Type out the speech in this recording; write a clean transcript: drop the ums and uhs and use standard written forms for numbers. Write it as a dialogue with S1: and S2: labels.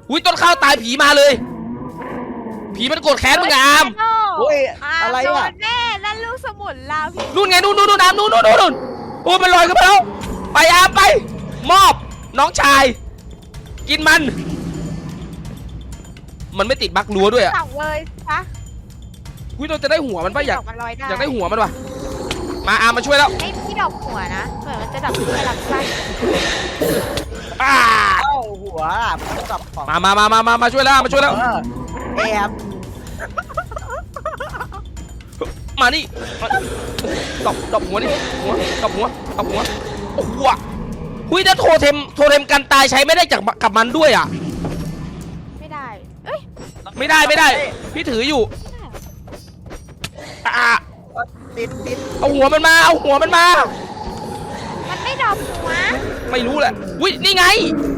S1: อุ้ยต้นข้าวตายผีมาเลยผีมันโกรธแค้นมึงอะอาม
S2: โอ้ย อะไร
S3: โด
S2: อ่ะ
S3: นแน่นั่นลูกสมุนลาวพี่
S1: นู่นไงนู่นอามนู่นโอ้มันลอยขึ้นมาแล้วไปอามไปมอบน้องชายกินมันไม่ติดบั๊กรั้วด้วยอะ
S3: สั่งเลยปะ
S1: อุ้ยเราจะได้หัวมันปะอยาก
S3: ดมันลอยได้
S1: อยากได้หัวมันวะมาอามมาช่วยแล้ว
S3: ไม่พี่ดอกหัวนะเหมือนมันจะดับที่ลำไส้
S1: อ่า
S2: เอ้าหัวอ่ะกับของ
S1: มาช่วยแล้วมาช่วยแล้ว
S2: แอบ
S1: มานี่ดอกหัวนี่หัวดอกหัวโอ้โหหุ้ยถ้าโทเทมกันตายใช้ไม่ได้จากกับมันด้วยอ่ะ
S3: ไม่ได้เอ้ย
S1: ไม่ได้พี่ถืออยู่อ่า
S2: ติด
S1: เอาหัวมันมา
S3: มันไม่ดอกหัว
S1: ไม่รู้แหละอุ้ยนี่ไง